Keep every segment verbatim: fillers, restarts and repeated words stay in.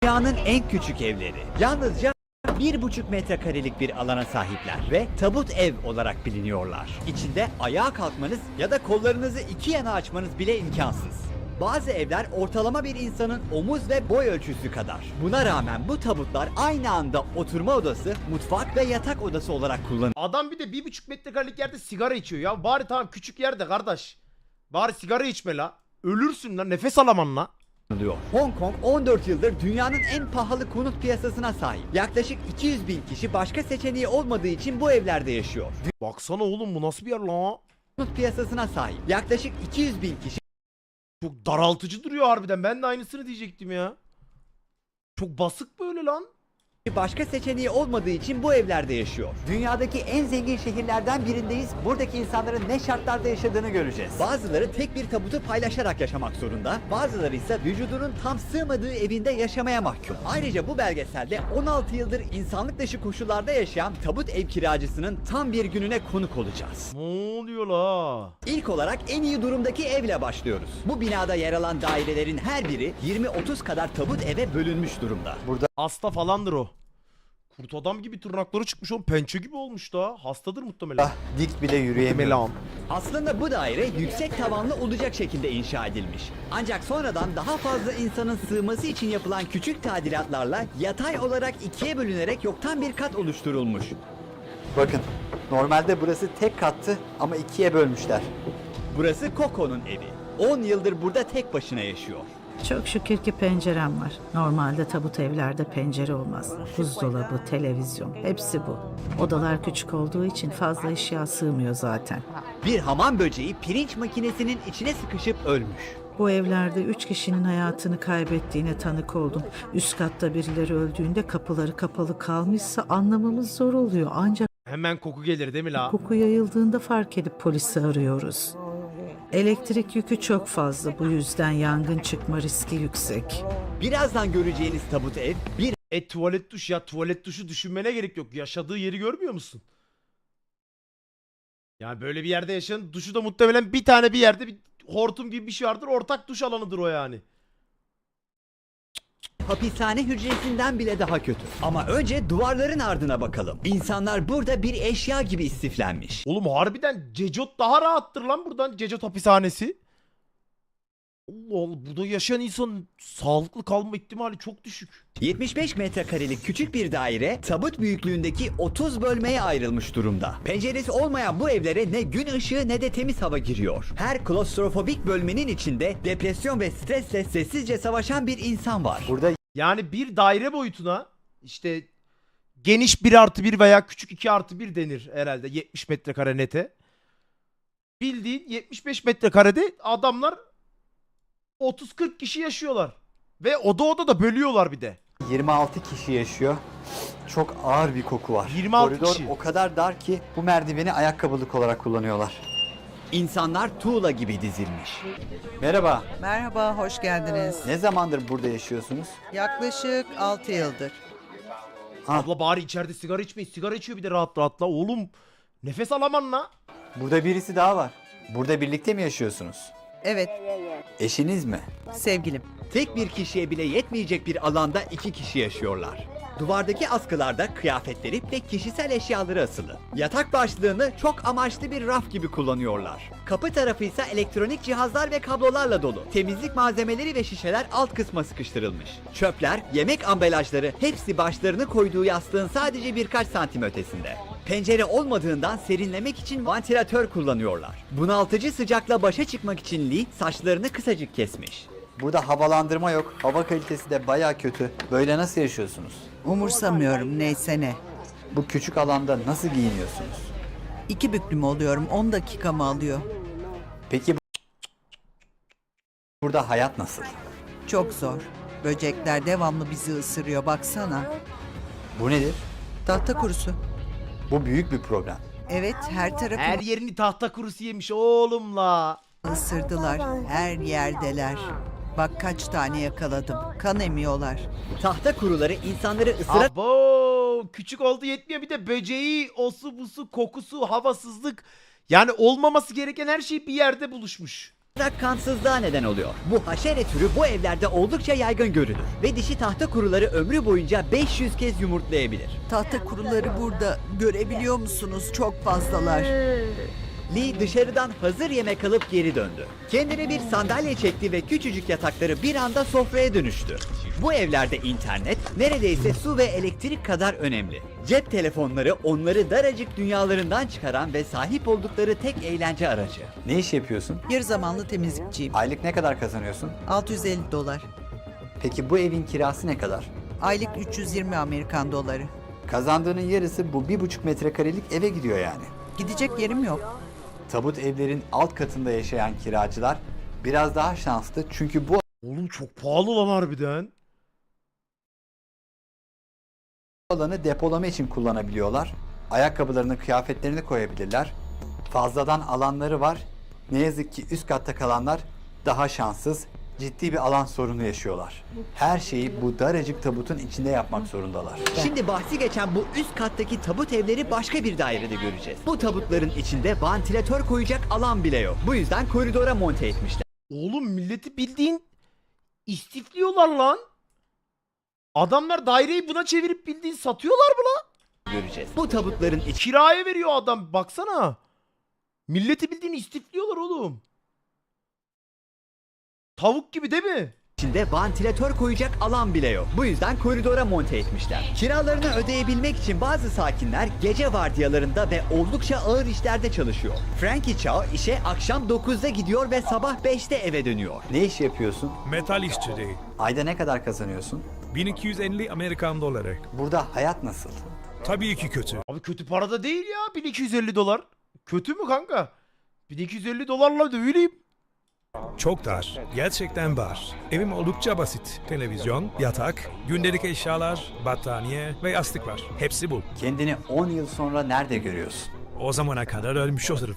Dünyanın en küçük evleri. Yalnızca bir buçuk metrekarelik bir alana sahipler ve tabut ev olarak biliniyorlar. İçinde ayağa kalkmanız ya da kollarınızı iki yana açmanız bile imkansız. Bazı evler ortalama bir insanın omuz ve boy ölçüsü kadar. Buna rağmen bu tabutlar aynı anda oturma odası, mutfak ve yatak odası olarak kullanılıyor. Adam bir de bir buçuk metrekarelik yerde sigara içiyor ya. Bari tamam küçük yerde kardeş. Bari sigara içme la. Ölürsün lan, nefes alaman la. Hong Kong on dört yıldır dünyanın en pahalı konut piyasasına sahip. Yaklaşık iki yüz bin kişi başka seçeneği olmadığı için bu evlerde yaşıyor. Baksana oğlum, bu nasıl bir yer la? Konut piyasasına sahip. Yaklaşık iki yüz bin kişi Çok daraltıcı duruyor harbiden. Ben de aynısını diyecektim ya. Çok basık böyle lan. başka seçeneği olmadığı için bu evlerde yaşıyor. Dünyadaki en zengin şehirlerden birindeyiz. Buradaki insanların ne şartlarda yaşadığını göreceğiz. Bazıları tek bir tabutu paylaşarak yaşamak zorunda. Bazıları ise vücudunun tam sığmadığı evinde yaşamaya mahkum. Ayrıca bu belgeselde on altı yıldır insanlık dışı koşullarda yaşayan tabut ev kiracısının tam bir gününe konuk olacağız. Ne oluyor la? İlk olarak en iyi durumdaki evle başlıyoruz. Bu binada yer alan dairelerin her biri yirmi otuz kadar tabut eve bölünmüş durumda. Burada Hasta falandır o. Kurt adam gibi tırnakları çıkmış oğlum. Pençe gibi olmuş da. Hastadır muhtemelen. dik bile yürüyemiyor. Muhtemelen. Aslında bu daire yüksek tavanlı olacak şekilde inşa edilmiş. Ancak sonradan daha fazla insanın sığması için yapılan küçük tadilatlarla yatay olarak ikiye bölünerek yoktan bir kat oluşturulmuş. Bakın, normalde burası tek kattı ama ikiye bölmüşler. Burası Coco'nun evi. on yıldır burada tek başına yaşıyor. Çok şükür ki pencerem var. Normalde tabut evlerde pencere olmaz. Buzdolabı, televizyon, hepsi bu. Odalar küçük olduğu için fazla eşya sığmıyor zaten. Bir hamam böceği pirinç makinesinin içine sıkışıp ölmüş. Bu evlerde üç kişinin hayatını kaybettiğine tanık oldum. Üst katta birileri öldüğünde kapıları kapalı kalmışsa anlamamız zor oluyor. Ancak Hemen koku gelir değil mi la? koku yayıldığında fark edip polisi arıyoruz. Elektrik yükü çok fazla, bu yüzden yangın çıkma riski yüksek. Birazdan göreceğiniz tabut ev bir E tuvalet duş ya, tuvalet duşu düşünmene gerek yok. Yaşadığı yeri görmüyor musun? Yani böyle bir yerde yaşayan duşu da muhtemelen bir tane bir yerde bir hortum gibi bir şey vardır. Ortak duş alanıdır o yani. hapishane hücresinden bile daha kötü. Ama önce duvarların ardına bakalım. İnsanlar burada bir eşya gibi istiflenmiş. Oğlum harbiden Cecot daha rahattır lan buradan. Cecot hapishanesi. Allah Allah, burada yaşayan insanın sağlıklı kalma ihtimali çok düşük. yetmiş beş metrekarelik küçük bir daire tabut büyüklüğündeki otuz bölmeye ayrılmış durumda. Penceresi olmayan bu evlere ne gün ışığı ne de temiz hava giriyor. Her klostrofobik bölmenin içinde depresyon ve stresle sessizce savaşan bir insan var. Burada Yani bir daire boyutuna işte geniş bir artı bir veya küçük iki artı bir denir herhalde yetmiş metrekare nete. Bildiğin yetmiş beş metrekarede adamlar otuz kırk kişi yaşıyorlar. Ve oda oda da bölüyorlar bir de. yirmi altı kişi yaşıyor. Çok ağır bir koku var. yirmi altı Koridor kişi. o kadar dar ki bu merdiveni ayakkabılık olarak kullanıyorlar. İnsanlar tuğla gibi dizilmiş. Merhaba. Merhaba, hoş geldiniz. Ne zamandır burada yaşıyorsunuz? Yaklaşık altı yıldır. Abla bari içeride sigara içmeyin. Sigara içiyor bir de rahat rahatla. Oğlum nefes alaman la. Burada birisi daha var. Burada birlikte mi yaşıyorsunuz? Evet, Eşiniz mi? sevgilim. Tek bir kişiye bile yetmeyecek bir alanda iki kişi yaşıyorlar. Duvardaki askılarda kıyafetleri ve kişisel eşyaları asılı. Yatak başlığını çok amaçlı bir raf gibi kullanıyorlar. Kapı tarafı ise elektronik cihazlar ve kablolarla dolu. Temizlik malzemeleri ve şişeler alt kısma sıkıştırılmış. Çöpler, yemek ambalajları hepsi başlarını koyduğu yastığın sadece birkaç santim ötesinde. Pencere olmadığından serinlemek için vantilatör kullanıyorlar. Bunaltıcı sıcakla başa çıkmak için Lee saçlarını kısacık kesmiş. Burada havalandırma yok. Hava kalitesi de baya kötü. Böyle nasıl yaşıyorsunuz? Umursamıyorum, neyse ne. Bu küçük alanda nasıl giyiniyorsunuz? İki büklüm oluyorum, on dakika mı alıyor? Peki burada hayat nasıl? Çok zor. Böcekler devamlı bizi ısırıyor, baksana. Bu nedir? Tahta kurusu. Bu büyük bir problem. Evet, her Her tarafı yerini tahta kurusu yemiş oğlum la. ısırdılar. Her yerdeler. Bak kaç tane yakaladım. Kan emiyorlar. Tahta kuruları insanları ısırarak Abo küçük oldu yetmiyor, bir de böceği, osu busu, kokusu, havasızlık. Yani olmaması gereken her şey bir yerde buluşmuş. kansızlığa neden oluyor. Bu haşere türü bu evlerde oldukça yaygın görülür ve dişi tahta kuruları ömrü boyunca beş yüz kez yumurtlayabilir. Tahta kuruları burada. Görebiliyor musunuz? Çok fazlalar. Lee dışarıdan hazır yemek alıp geri döndü. Kendine bir sandalye çekti ve küçücük yatakları bir anda sofraya dönüştü. Bu evlerde internet neredeyse su ve elektrik kadar önemli. Cep telefonları onları daracık dünyalarından çıkaran ve sahip oldukları tek eğlence aracı. Ne iş yapıyorsun? Yarı zamanlı temizlikçiyim. Aylık ne kadar kazanıyorsun? altı yüz elli dolar. Peki bu evin kirası ne kadar? Aylık üç yüz yirmi Amerikan doları. Kazandığının yarısı bu bir buçuk metrekarelik eve gidiyor yani. Gidecek yerim yok. Tabut evlerin alt katında yaşayan kiracılar biraz daha şanslı çünkü bu Oğlum çok pahalı lan harbiden. alanı depolama için kullanabiliyorlar. Ayakkabılarını, kıyafetlerini koyabilirler. Fazladan alanları var. Ne yazık ki üst katta kalanlar daha şanssız, ciddi bir alan sorunu yaşıyorlar. Her şeyi bu daracık tabutun içinde yapmak zorundalar. Şimdi bahsi geçen bu üst kattaki tabut evleri başka bir dairede göreceğiz. Bu tabutların içinde vantilatör koyacak alan bile yok. Bu yüzden koridora monte etmişler. Oğlum milleti bildiğin istifliyorlar lan. Adamlar daireyi buna çevirip bildiğin satıyorlar mı lan? Göreceğiz. Bu tabutların Kiraya veriyor adam baksana. Milleti bildiğin istifliyorlar oğlum. Tavuk gibi değil mi? İçinde vantilatör koyacak alan bile yok. Bu yüzden koridora monte etmişler. Kiralarını ödeyebilmek için bazı sakinler gece vardiyalarında ve oldukça ağır işlerde çalışıyor. Frankie Chow işe akşam dokuzda gidiyor ve sabah beşte eve dönüyor. Ne iş yapıyorsun? Metal işçiliği. Ayda ne kadar kazanıyorsun? bin iki yüz elli Amerikan doları. Burada hayat nasıl? Tabii ki kötü. Abi kötü para da değil ya bin iki yüz elli dolar. Kötü mü kanka? bin iki yüz elli dolarla dövüleyim. Çok dar. Gerçekten var. Evim oldukça basit. Televizyon, yatak, gündelik eşyalar, battaniye ve yastık var. Hepsi bu. Kendini on yıl sonra nerede görüyorsun? O zamana kadar ölmüş olurum.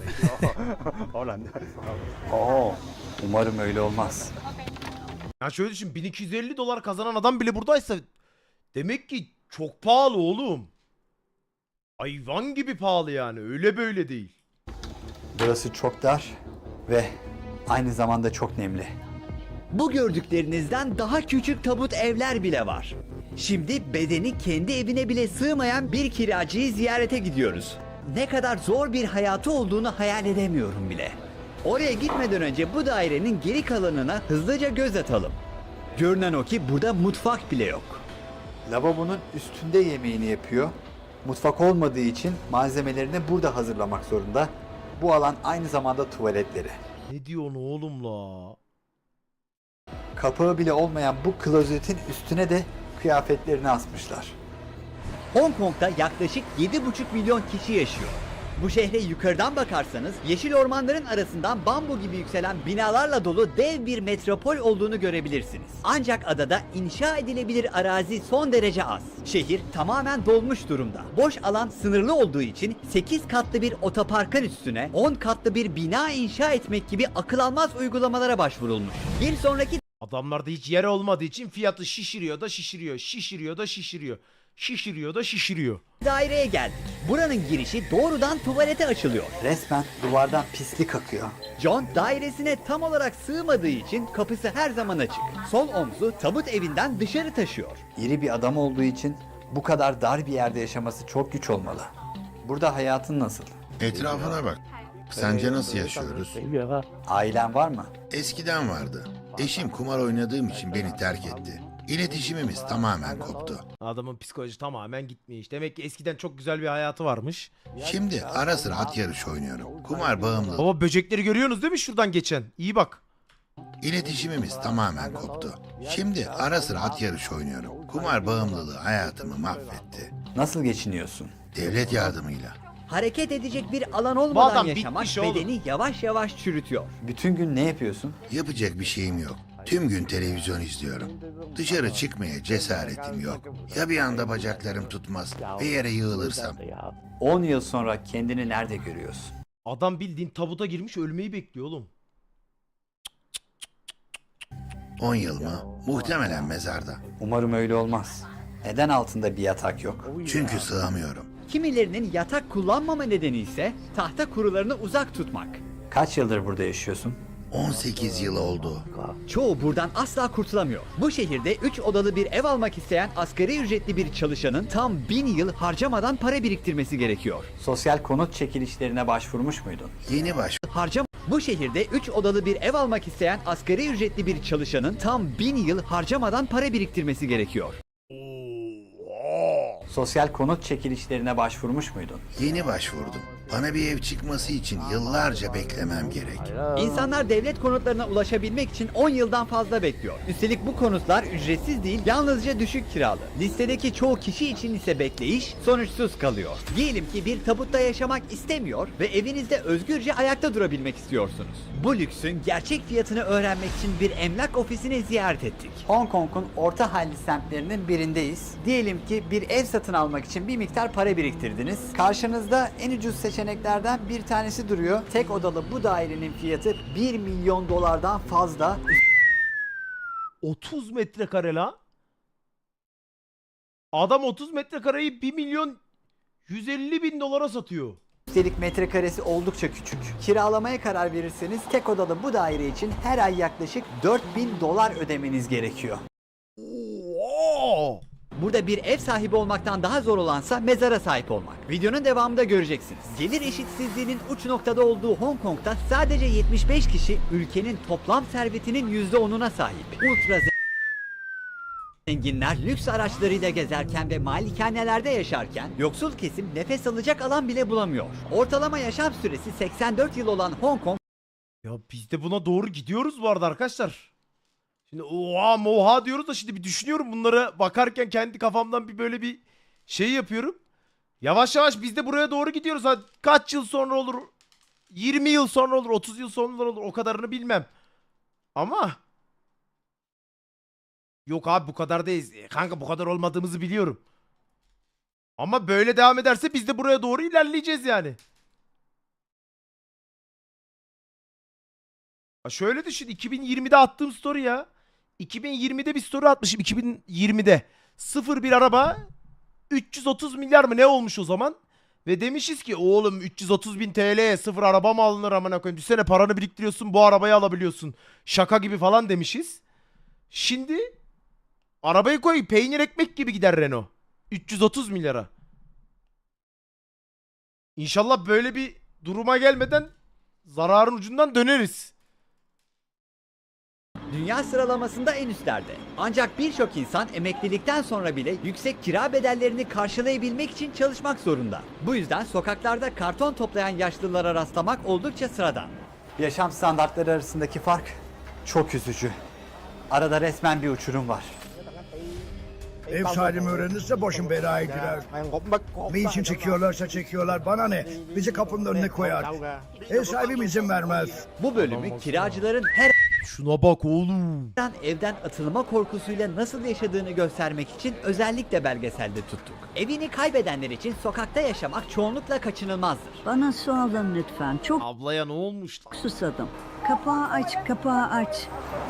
Oo, umarım öyle olmaz. Ya şöyle düşün bin iki yüz elli dolar kazanan adam bile buradaysa demek ki çok pahalı oğlum. Hayvan gibi pahalı yani öyle böyle değil. Burası çok dar ve aynı zamanda çok nemli. Bu gördüklerinizden daha küçük tabut evler bile var. Şimdi bedeni kendi evine bile sığmayan bir kiracıyı ziyarete gidiyoruz. Ne kadar zor bir hayatı olduğunu hayal edemiyorum bile. Oraya gitmeden önce bu dairenin geri kalanına hızlıca göz atalım. Görünen o ki burada mutfak bile yok. Lavabonun üstünde yemeğini yapıyor. Mutfak olmadığı için malzemelerini burada hazırlamak zorunda. Bu alan aynı zamanda tuvaletleri. Ne diyorsun oğlum la? Kapağı bile olmayan bu klozetin üstüne de kıyafetlerini asmışlar. Hong Kong'da yaklaşık yedi buçuk milyon kişi yaşıyor. Bu şehre yukarıdan bakarsanız yeşil ormanların arasından bambu gibi yükselen binalarla dolu dev bir metropol olduğunu görebilirsiniz. Ancak adada inşa edilebilir arazi son derece az. Şehir tamamen dolmuş durumda. Boş alan sınırlı olduğu için sekiz katlı bir otoparkın üstüne on katlı bir bina inşa etmek gibi akıl almaz uygulamalara başvurulmuş. Bir sonraki Adamlarda hiç yer olmadığı için fiyatı şişiriyor da şişiriyor, şişiriyor da şişiriyor, şişiriyor da şişiriyor. daireye geldik. Buranın girişi doğrudan tuvalete açılıyor. Resmen duvardan pislik akıyor. John dairesine tam olarak sığmadığı için kapısı her zaman açık. Sol omzu tabut evinden dışarı taşıyor. İri bir adam olduğu için bu kadar dar bir yerde yaşaması çok güç olmalı. Burada hayatın nasıl? Etrafına bak. Sence nasıl yaşıyoruz? Ailen var mı? Eskiden vardı. Eşim kumar oynadığım için beni terk etti. İletişimimiz tamamen koptu. Adamın psikoloji tamamen gitmiş. Demek ki eskiden çok güzel bir hayatı varmış. Şimdi ara sıra at yarışı oynuyorum. Kumar bağımlı. Baba böcekleri görüyorsunuz değil mi şuradan geçen? İyi bak. İletişimimiz tamamen koptu. Şimdi ara sıra at yarışı oynuyorum. Kumar bağımlılığı hayatımı mahvetti. Nasıl geçiniyorsun? Devlet yardımıyla. Hareket edecek bir alan olmadan adam yaşamak bitmiş oğlum. bedeni yavaş yavaş çürütüyor. Bütün gün ne yapıyorsun? Yapacak bir şeyim yok. Tüm gün televizyon izliyorum. Dışarı çıkmaya cesaretim yok. Ya bir anda bacaklarım tutmaz ve yere yığılırsam? on yıl sonra kendini nerede görüyorsun? Adam bildiğin tabuta girmiş ölmeyi bekliyor oğlum. on yıl mı? Muhtemelen mezarda. Umarım öyle olmaz. Neden altında bir yatak yok? Çünkü sığamıyorum. Kimilerinin yatak kullanmama nedeni ise tahta kurularını uzak tutmak. Kaç yıldır burada yaşıyorsun? on sekiz yıl oldu. Çoğu buradan asla kurtulamıyor. Bu şehirde üç odalı bir ev almak isteyen asgari ücretli bir çalışanın tam bin yıl harcamadan para biriktirmesi gerekiyor. Sosyal konut çekilişlerine başvurmuş muydun? Yeni baş Harcam Bu şehirde üç odalı bir ev almak isteyen asgari ücretli bir çalışanın tam bin yıl harcamadan para biriktirmesi gerekiyor. Sosyal konut çekilişlerine başvurmuş muydun? Yeni başvurdum. Bana bir ev çıkması için yıllarca beklemem gerek. İnsanlar devlet konutlarına ulaşabilmek için on yıldan fazla bekliyor. Üstelik bu konutlar ücretsiz değil, yalnızca düşük kiralı. Listedeki çoğu kişi için ise bekleyiş sonuçsuz kalıyor. Diyelim ki bir tabutta yaşamak istemiyor ve evinizde özgürce ayakta durabilmek istiyorsunuz. Bu lüksün gerçek fiyatını öğrenmek için bir emlak ofisini ziyaret ettik. Hong Kong'un orta halli semtlerinin birindeyiz. Diyelim ki bir ev satın almak için bir miktar para biriktirdiniz. Karşınızda en ucuz seçeneklerden bir tanesi duruyor. Tek odalı bu dairenin fiyatı bir milyon dolardan fazla. otuz metrekare la. Adam otuz metrekareyi bir milyon yüz elli bin dolara satıyor. Üstelik metrekaresi oldukça küçük. Kiralamaya karar verirseniz tek odalı bu daire için her ay yaklaşık dört bin dolar ödemeniz gerekiyor. Oo! Burada bir ev sahibi olmaktan daha zor olansa mezara sahip olmak. Videonun devamında göreceksiniz. Gelir eşitsizliğinin uç noktada olduğu Hong Kong'da sadece yetmiş beş kişi ülkenin toplam servetinin yüzde onuna sahip. Ultra zenginler lüks araçlarıyla gezerken ve malikanelerde yaşarken yoksul kesim nefes alacak alan bile bulamıyor. Ortalama yaşam süresi seksen dört yıl olan Hong Kong Ya biz de buna doğru gidiyoruz bu arada arkadaşlar. Şimdi oha moha diyoruz da şimdi bir düşünüyorum bunlara bakarken kendi kafamdan bir böyle bir şey yapıyorum. Yavaş yavaş biz de buraya doğru gidiyoruz. Hadi kaç yıl sonra olur? yirmi yıl sonra olur, otuz yıl sonra olur. O kadarını bilmem. Ama yok abi bu kadar değiliz. E, Kanka bu kadar olmadığımızı biliyorum. Ama böyle devam ederse biz de buraya doğru ilerleyeceğiz yani. Ha şöyle düşün, iki bin yirmide attığım story ya. iki bin yirmide bir story atmışım, iki bin yirmide. Sıfır bir araba üç yüz otuz milyar mı ne olmuş o zaman? Ve demişiz ki oğlum üç yüz otuz bin T L'ye sıfır araba mı alınır amına koyayım? Düşsene paranı biriktiriyorsun bu arabayı alabiliyorsun. Şaka gibi falan demişiz. Şimdi arabayı koy peynir ekmek gibi gider Renault. üç yüz otuz milyara. İnşallah böyle bir duruma gelmeden zararın ucundan döneriz. dünya sıralamasında en üstlerde. Ancak birçok insan emeklilikten sonra bile yüksek kira bedellerini karşılayabilmek için çalışmak zorunda. Bu yüzden sokaklarda karton toplayan yaşlılara rastlamak oldukça sıradan. Yaşam standartları arasındaki fark çok üzücü. Arada resmen bir uçurum var. Ev sahibim öğrenirse başım belaya girer. Ne için çekiyorlarsa çekiyorlar bana ne? Bizi kapının önüne koyar. Ev sahibim izin vermez. Bu bölümü kiracıların her Şuna bak oğlum. an evden atılma korkusuyla nasıl yaşadığını göstermek için özellikle belgeselde tuttuk. Evini kaybedenler için sokakta yaşamak çoğunlukla kaçınılmazdır. Bana su alın lütfen. Çok Ablaya ne olmuş? susadım. Kapağı aç, kapağı aç.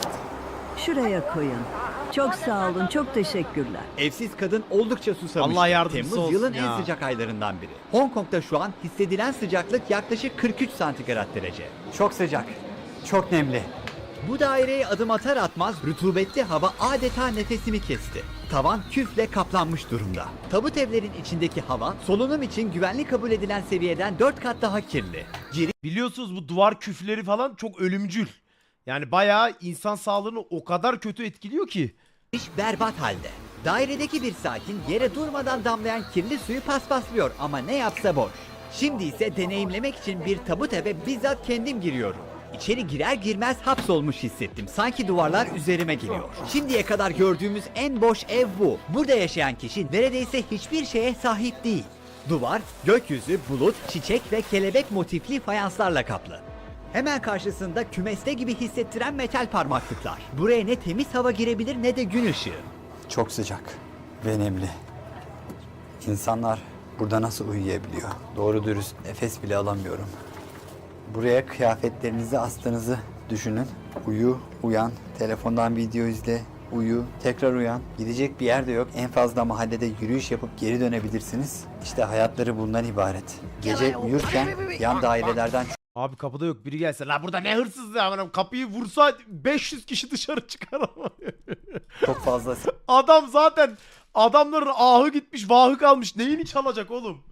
Şuraya koyun. Çok sağ olun, çok teşekkürler. Evsiz kadın oldukça susamıştı. Allah yardımcısı Temmuz olsun yılın ya. en sıcak aylarından biri. Hong Kong'da şu an hissedilen sıcaklık yaklaşık kırk üç santigrat derece. Çok sıcak, çok nemli. Bu daireye adım atar atmaz rutubetli hava adeta nefesimi kesti. Tavan küfle kaplanmış durumda. Tabut evlerin içindeki hava solunum için güvenli kabul edilen seviyeden dört kat daha kirli. Biliyorsunuz bu duvar küfleri falan çok ölümcül. Yani bayağı insan sağlığını o kadar kötü etkiliyor ki. Giriş berbat halde. Dairedeki bir sakin yere durmadan damlayan kirli suyu paspaslıyor ama ne yapsa boş. Şimdi ise deneyimlemek için bir tabut eve bizzat kendim giriyorum. İçeri girer girmez hapsolmuş hissettim. Sanki duvarlar üzerime geliyor. Şimdiye kadar gördüğümüz en boş ev bu. Burada yaşayan kişi neredeyse hiçbir şeye sahip değil. Duvar, gökyüzü, bulut, çiçek ve kelebek motifli fayanslarla kaplı. Hemen karşısında kümeste gibi hissettiren metal parmaklıklar. Buraya ne temiz hava girebilir ne de gün ışığı. Çok sıcak ve nemli. İnsanlar burada nasıl uyuyabiliyor? Doğru dürüst nefes bile alamıyorum. Buraya kıyafetlerinizi astığınızı düşünün. Uyu, uyan, telefondan video izle, uyu, tekrar uyan. Gidecek bir yer de yok. En fazla mahallede yürüyüş yapıp geri dönebilirsiniz. İşte hayatları bundan ibaret. Gece uyurken yan dairelerden Abi kapıda yok, biri gelse. La burada ne hırsızlığı ya. Kapıyı vursa beş yüz kişi dışarı çıkar ama. çok fazla Adam zaten adamların ahı gitmiş, vahı kalmış. Neyini çalacak oğlum?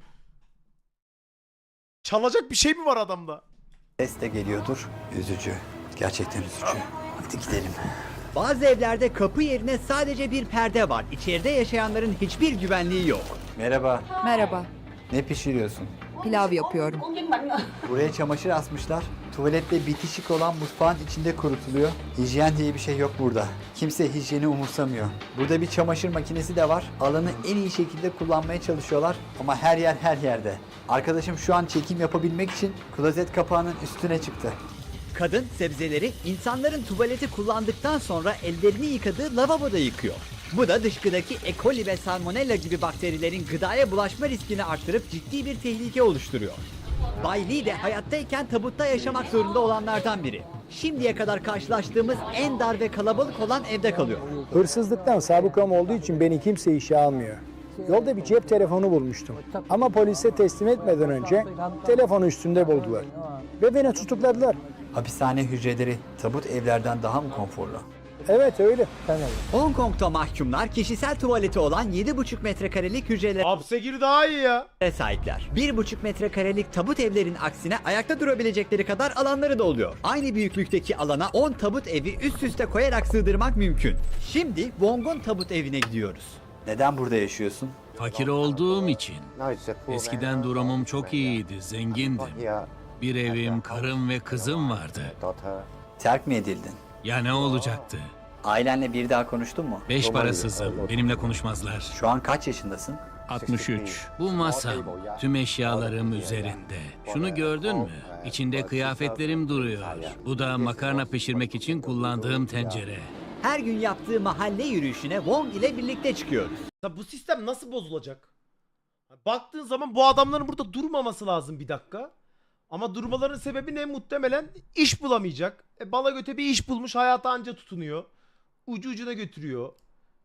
Çalacak bir şey mi var adamda? ses de geliyordur. Üzücü. Gerçekten üzücü. Hadi gidelim. Bazı evlerde kapı yerine sadece bir perde var. İçeride yaşayanların hiçbir güvenliği yok. Merhaba. Merhaba, Ne pişiriyorsun? pilav yapıyorum. Buraya çamaşır asmışlar. Tuvalette bitişik olan mutfağın içinde kurutuluyor. Hijyen diye bir şey yok burada. Kimse hijyeni umursamıyor. Burada bir çamaşır makinesi de var. Alanı en iyi şekilde kullanmaya çalışıyorlar ama her yer her yerde. Arkadaşım şu an çekim yapabilmek için klozet kapağının üstüne çıktı. Kadın sebzeleri insanların tuvaleti kullandıktan sonra ellerini yıkadığı lavaboda yıkıyor. Bu da dışkıdaki E. coli ve salmonella gibi bakterilerin gıdaya bulaşma riskini arttırıp ciddi bir tehlike oluşturuyor. Bay Lee de hayattayken tabutta yaşamak zorunda olanlardan biri. Şimdiye kadar karşılaştığımız en dar ve kalabalık olan evde kalıyor. Hırsızlıktan sabıkam olduğu için beni kimse işe almıyor. Yolda bir cep telefonu bulmuştum. Ama polise teslim etmeden önce telefonu üstünde buldular. Ve beni tutukladılar. Hapishane hücreleri tabut evlerden daha mı konforlu? Evet öyle. Tamam. Hong Kong'da mahkumlar kişisel tuvaleti olan yedi buçuk metrekarelik hücrelere Hapse gir daha iyi ya. sahipler. bir buçuk metrekarelik tabut evlerin aksine ayakta durabilecekleri kadar alanları da oluyor. Aynı büyüklükteki alana on tabut evi üst üste koyarak sığdırmak mümkün. Şimdi Wong'un tabut evine gidiyoruz. Neden burada yaşıyorsun? Fakir olduğum için. Eskiden durumum çok iyiydi, zengindim. Bir evim, karım ve kızım vardı. Terk mi edildin? Ya ne olacaktı? Ailenle bir daha konuştun mu? Beş parasızım, benimle konuşmazlar. Şu an kaç yaşındasın? altmış üç. Bu masam, tüm eşyalarım üzerinde. Şunu gördün mü? İçinde kıyafetlerim duruyor. Bu da makarna pişirmek için kullandığım tencere. Her gün yaptığı mahalle yürüyüşüne Wong ile birlikte çıkıyoruz. Ya bu sistem nasıl bozulacak? Baktığın zaman bu adamların burada durmaması lazım bir dakika. Ama durmaların sebebi ne? Muhtemelen iş bulamayacak. E, bala göte bir iş bulmuş, hayata anca tutunuyor. Ucu ucuna götürüyor.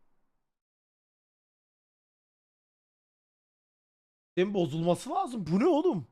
Sistemin bozulması lazım. Bu ne oğlum?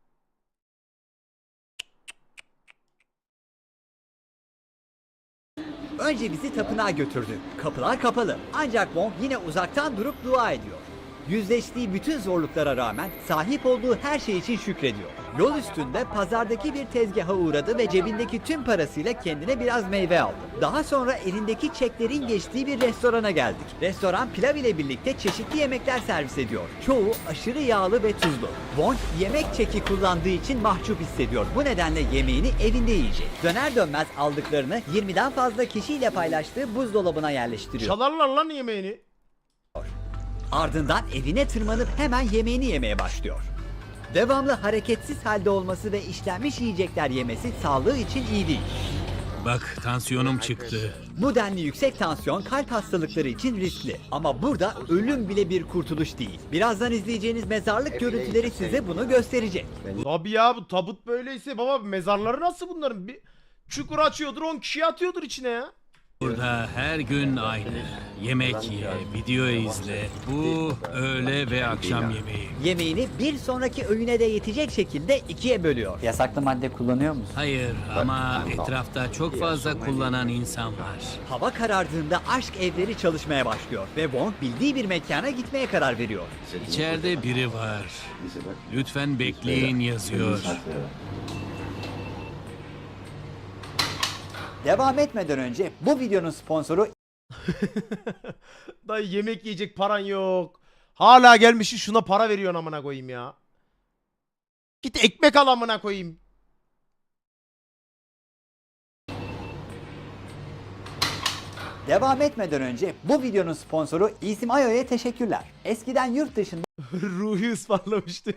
Önce bizi tapınağa götürdü. Kapılar kapalı. Ancak Wong yine uzaktan durup dua ediyor. Yüzleştiği bütün zorluklara rağmen sahip olduğu her şey için şükrediyor. Yol üstünde pazardaki bir tezgaha uğradı ve cebindeki tüm parasıyla kendine biraz meyve aldı. Daha sonra elindeki çeklerin geçtiği bir restorana geldik. Restoran pilav ile birlikte çeşitli yemekler servis ediyor. Çoğu aşırı yağlı ve tuzlu. Wong yemek çeki kullandığı için mahcup hissediyor. Bu nedenle yemeğini evinde yiyecek. Döner dönmez aldıklarını yirmiden fazla kişiyle paylaştığı buzdolabına yerleştiriyor. Çalarlar lan yemeğini. Ardından evine tırmanıp hemen yemeğini yemeye başlıyor. Devamlı hareketsiz halde olması ve işlenmiş yiyecekler yemesi sağlığı için iyi değil. Bak, tansiyonum çıktı. Bu denli yüksek tansiyon kalp hastalıkları için riskli. Ama burada ölüm bile bir kurtuluş değil. Birazdan izleyeceğiniz mezarlık görüntüleri size bunu gösterecek. Tabii ya, bu tabut böyleyse baba mezarları nasıl bunların? Bir çukur açıyordur, on kişiyi atıyordur içine ya. Burada her gün aynı. Yemek ye, video izle. Bu öğle ve akşam yemeği. Yemeğini bir sonraki öğüne de yetecek şekilde ikiye bölüyor. Yasaklı madde kullanıyor musun? Hayır ama etrafta çok fazla kullanan insan var. Hava karardığında aşk evleri çalışmaya başlıyor ve Wong bildiği bir mekana gitmeye karar veriyor. İçeride biri var. Lütfen bekleyin yazıyor. Devam etmeden önce bu videonun sponsoru Dayı yemek yiyecek paran yok. Hala gelmişsin şuna para veriyorsun amına koyayım ya. Git ekmek al amına koyayım. Devam etmeden önce bu videonun sponsoru İsim Ayo'ya teşekkürler. Eskiden yurt dışında Ruhi ısmarlamıştı.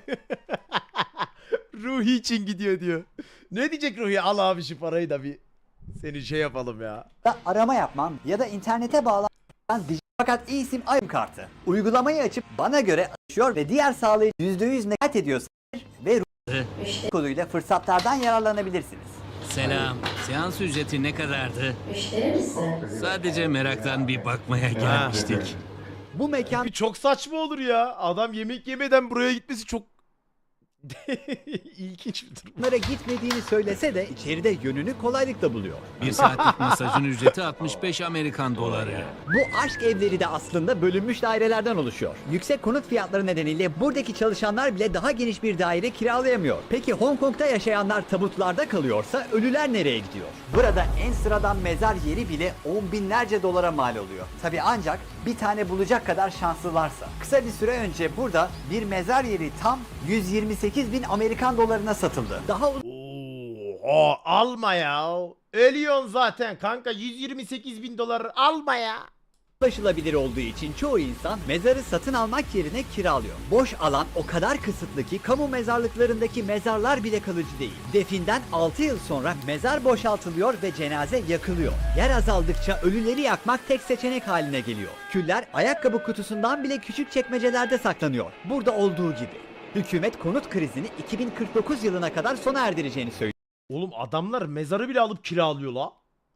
Ruhi için gidiyor diyor. Ne diyecek Ruhi? Al abi şu parayı da bir seni şey yapalım ya. arama yapmam ya da internete bağlanan dijital fakat İsim Ayo kartı. Uygulamayı açıp bana göre açıyor ve diğer sağlayıcı yüzde yüz nekat ediyorsa ve Ruhi koduyla fırsatlardan yararlanabilirsiniz. Selam. Seans ücreti ne kadardı? Sadece meraktan bir bakmaya gelmiştik. Bu mekan Bir çok saçma olur ya. Adam yemek yemeden buraya gitmesi çok İlginç bir durum. Bunlara gitmediğini söylese de içeride yönünü kolaylıkla buluyor. Bir saatlik masajın ücreti altmış beş Amerikan doları. Bu aşk evleri de aslında bölünmüş dairelerden oluşuyor. Yüksek konut fiyatları nedeniyle buradaki çalışanlar bile daha geniş bir daire kiralayamıyor. Peki Hong Kong'da yaşayanlar tabutlarda kalıyorsa ölüler nereye gidiyor? Burada en sıradan mezar yeri bile on binlerce dolara mal oluyor. Tabi ancak bir tane bulacak kadar şanslılarsa. Kısa bir süre önce burada bir mezar yeri tam yüz yirmi sekiz bin Amerikan dolarına satıldı. Daha Oo, alma ya. Ölüyorsun zaten kanka. yüz yirmi sekiz bin dolar alma ya. ulaşılabilir olduğu için çoğu insan mezarı satın almak yerine kiralıyor. Boş alan o kadar kısıtlı ki kamu mezarlıklarındaki mezarlar bile kalıcı değil. Definden altı yıl sonra mezar boşaltılıyor ve cenaze yakılıyor. Yer azaldıkça ölüleri yakmak tek seçenek haline geliyor. Küller ayakkabı kutusundan bile küçük çekmecelerde saklanıyor. Burada olduğu gibi. Hükümet konut krizini iki bin kırk dokuz yılına kadar sona erdireceğini söylüyor. Oğlum adamlar mezarı bile alıp kiralıyor la.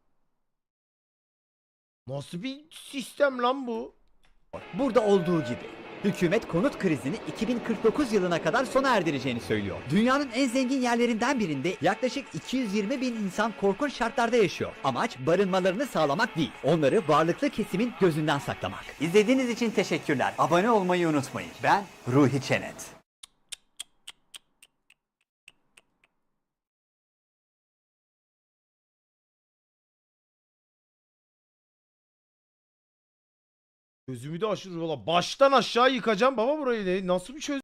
Nasıl bir sistem lan bu? Burada olduğu gibi. Hükümet konut krizini iki bin kırk dokuz yılına kadar sona erdireceğini söylüyor. Dünyanın en zengin yerlerinden birinde yaklaşık iki yüz yirmi bin insan korkunç şartlarda yaşıyor. Amaç barınmalarını sağlamak değil, onları varlıklı kesimin gözünden saklamak. İzlediğiniz için teşekkürler. Abone olmayı unutmayın. Ben Ruhi Çenet. Gözümü de aşırı valla. Baştan aşağı yıkacağım baba burayı. Ne- Nasıl bir çöz...